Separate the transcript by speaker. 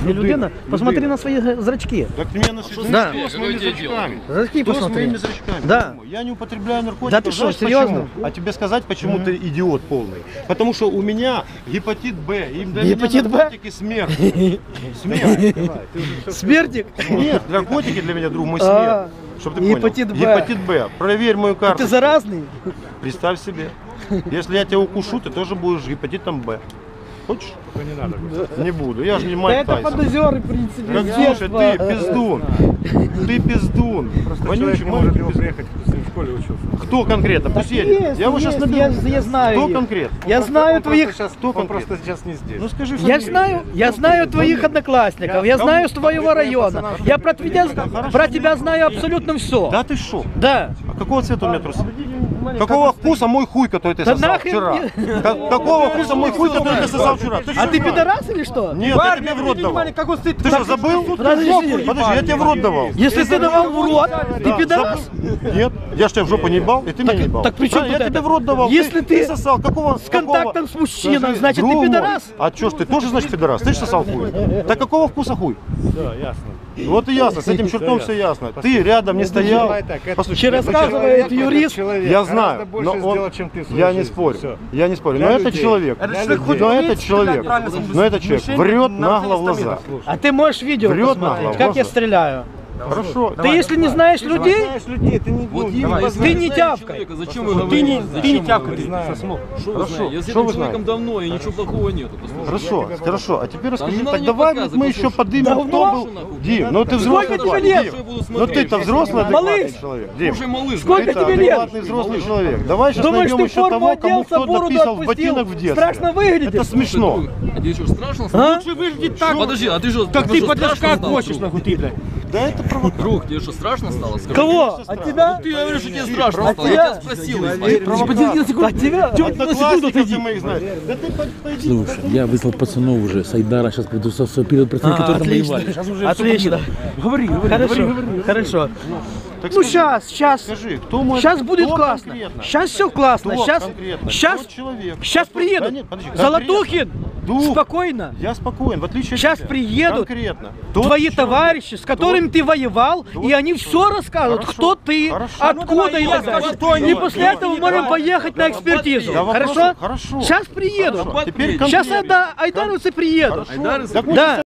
Speaker 1: не людина. Посмотри на свои зрачки.
Speaker 2: Так ты меня насветил.
Speaker 1: Да.
Speaker 2: Что с моими зрачками?
Speaker 1: Зрачки
Speaker 2: Что с
Speaker 1: посмотри.
Speaker 2: моими зрачками?
Speaker 1: Да.
Speaker 2: Я не употребляю наркотики.
Speaker 1: Да ты что,
Speaker 2: Знаешь,
Speaker 1: серьезно?
Speaker 2: почему? А тебе сказать, почему ты идиот полный? Потому что у меня гепатит Б. И для
Speaker 1: Гепатит
Speaker 2: меня
Speaker 1: Б?
Speaker 2: наркотики смерть. Смерть.
Speaker 1: Смертик?
Speaker 2: Нет, наркотики для меня, друг мой,
Speaker 1: А,
Speaker 2: смерть. Чтоб ты понял.
Speaker 1: гепатит Б.
Speaker 2: Гепатит Б. Проверь мою карту.
Speaker 1: Ты заразный?
Speaker 2: Представь себе. Если я тебя укушу, ты тоже будешь гепатитом Б. Хочешь?
Speaker 3: Не надо.
Speaker 2: Не буду. Я же не
Speaker 1: Да
Speaker 2: Майк
Speaker 1: это
Speaker 2: Тайсон.
Speaker 1: фантазеры, в принципе.
Speaker 2: Так,
Speaker 1: с
Speaker 2: слушай,
Speaker 1: детства.
Speaker 2: ты пиздун. Ты пиздун.
Speaker 3: Просто
Speaker 2: Вонючий,
Speaker 3: человек не может
Speaker 2: маленький
Speaker 3: его
Speaker 2: пиздун.
Speaker 3: приехать, кто с ним в школе учился.
Speaker 2: Кто конкретно? Пусть едет.
Speaker 1: Есть,
Speaker 2: Я его сейчас
Speaker 1: есть,
Speaker 2: наберу.
Speaker 1: я знаю
Speaker 2: Кто
Speaker 1: их.
Speaker 2: конкретно?
Speaker 1: Я знаю
Speaker 3: Он
Speaker 1: твоих...
Speaker 3: просто сейчас,
Speaker 2: Кто
Speaker 3: он
Speaker 2: конкретно?
Speaker 3: просто сейчас не здесь.
Speaker 2: Ну скажи
Speaker 1: Я
Speaker 2: фамилию.
Speaker 1: знаю твоих одноклассников, я знаю с твоего района. Я про тебя знаю абсолютно все.
Speaker 2: Да ты шо?
Speaker 1: Да.
Speaker 2: А какого цвета у меня трусы? Какого вкуса мой хуй, который ты
Speaker 1: Да
Speaker 2: сосал
Speaker 1: нахрен
Speaker 2: вчера?
Speaker 1: мне-
Speaker 2: Какого вкуса мой хуй, который ты сосал вчера?
Speaker 1: А
Speaker 2: что,
Speaker 1: ты
Speaker 2: брат?
Speaker 1: пидорас или что?
Speaker 2: Нет, я тебе в рот давал. Ты что, забыл?
Speaker 1: Подожди,
Speaker 2: Подожди, я тебе в рот давал.
Speaker 1: Если ты давал в рот, ты
Speaker 2: Да,
Speaker 1: пидорас?
Speaker 2: забыл. Нет, я ж тебя в жопу не ебал, и ты меня не ебал.
Speaker 1: так при чем
Speaker 2: Правильно,
Speaker 1: тут
Speaker 2: я тебе
Speaker 1: это?
Speaker 2: в рот давал.
Speaker 1: Если ты
Speaker 2: сосал, какого?
Speaker 1: с контактом с мужчиной,
Speaker 2: Скажи,
Speaker 1: значит, ты
Speaker 2: друг мой,
Speaker 1: пидорас?
Speaker 2: А чё ж ты тоже, значит, пидорас? Ты же сосал хуй. Так какого вкуса хуй?
Speaker 3: Да, ясно.
Speaker 2: Вот и ясно, с этим чертом все ясно. Ты рядом не стоял. Послушай,
Speaker 1: Че рассказывает юрист?
Speaker 2: я знаю, но он, я не спорю, я не спорю, но этот человек, но этот человек врет нагло в глаза.
Speaker 1: А ты можешь видео
Speaker 2: Врет
Speaker 1: посмотреть,
Speaker 2: нагло,
Speaker 1: как я
Speaker 2: глаза.
Speaker 1: стреляю.
Speaker 2: Хорошо.
Speaker 1: Ты если не знаешь людей,
Speaker 3: людей, ты не
Speaker 4: Вот
Speaker 1: ты не тявкай.
Speaker 4: Зачем вы говорите?
Speaker 1: Ты не тявкай.
Speaker 4: Что вы знаете? Я с
Speaker 2: Что
Speaker 4: этим
Speaker 2: вы
Speaker 4: человеком давно, и ничего плохого нету. послушай.
Speaker 2: Хорошо, хорошо. А теперь расскажи,
Speaker 4: не надо
Speaker 2: так
Speaker 4: мне
Speaker 2: давай
Speaker 4: показывать,
Speaker 2: мы еще
Speaker 4: послушай.
Speaker 2: подымем, кто
Speaker 1: Давно?
Speaker 2: был. Дим, ну ты взрослый.
Speaker 1: Сколько тебе
Speaker 2: парень,
Speaker 1: лет?
Speaker 2: Дим.
Speaker 4: Что я буду
Speaker 2: Ну
Speaker 4: смотреть?
Speaker 2: ты-то взрослый,
Speaker 1: Малыш.
Speaker 2: адекватный человек. Дим,
Speaker 4: Слушай, малыш,
Speaker 1: Сколько
Speaker 2: ты-то
Speaker 1: тебе лет?
Speaker 2: адекватный взрослый человек. Давай сейчас
Speaker 1: Думаешь,
Speaker 2: найдем
Speaker 1: ты
Speaker 2: еще
Speaker 1: форму
Speaker 2: того, кому
Speaker 1: оделся,
Speaker 2: кто
Speaker 1: бороду
Speaker 2: написал в
Speaker 1: отпустил?
Speaker 2: ботинок в детстве.
Speaker 1: Страшно выглядишь.
Speaker 2: Это смешно.
Speaker 4: А тебе что, страшно стало?
Speaker 1: А?
Speaker 4: Лучше выглядит так. Подожди, а ты что,
Speaker 5: Как ты подожка хочешь,
Speaker 4: нахуй?
Speaker 5: нахуй, ты, блядь.
Speaker 2: Да это провокация.
Speaker 4: Друг, тебе что, страшно стало? Скажи.
Speaker 1: Кого? От тебя?
Speaker 4: Ты говоришь, что тебе страшно стало.
Speaker 1: тебя?
Speaker 4: Я тебя спросил.
Speaker 1: От тебя?
Speaker 2: Одноклассников моих знаешь. Да ты пойди.
Speaker 6: Слушай, я выслал пацанов уже, Сайдара, сейчас приду со перед пацаны, которые там воевали.
Speaker 1: Отлично.
Speaker 5: Говори.
Speaker 1: Хорошо.
Speaker 2: Так
Speaker 1: Ну
Speaker 2: скажи,
Speaker 1: сейчас.
Speaker 2: Скажи, кто мой...
Speaker 1: Сейчас будет
Speaker 2: кто
Speaker 1: классно.
Speaker 2: конкретно?
Speaker 1: Сейчас все классно.
Speaker 2: Кто
Speaker 1: Сейчас.
Speaker 2: конкретно?
Speaker 1: Сейчас.
Speaker 2: Кто человек?
Speaker 1: Сейчас
Speaker 2: Да
Speaker 1: приедут.
Speaker 2: нет, подожди,
Speaker 1: Золотухин.
Speaker 2: Дух.
Speaker 1: Спокойно.
Speaker 2: Я спокоен, в отличие от
Speaker 1: Сейчас
Speaker 2: тебя.
Speaker 1: приедут
Speaker 2: Конкретно.
Speaker 1: твои
Speaker 2: Тот
Speaker 1: товарищи, с которыми ты воевал, и они все расскажут,
Speaker 2: Хорошо.
Speaker 1: кто ты,
Speaker 2: Хорошо.
Speaker 1: откуда и так далее. И после этого мы можем поехать на экспертизу.
Speaker 2: Да, вопросов-
Speaker 1: Хорошо?
Speaker 2: Хорошо.
Speaker 1: Сейчас приедут.
Speaker 2: Хорошо. Теперь
Speaker 1: Сейчас
Speaker 2: конкретно.
Speaker 1: айдаровцы приедут.
Speaker 2: Хорошо. Так вот,
Speaker 1: Да.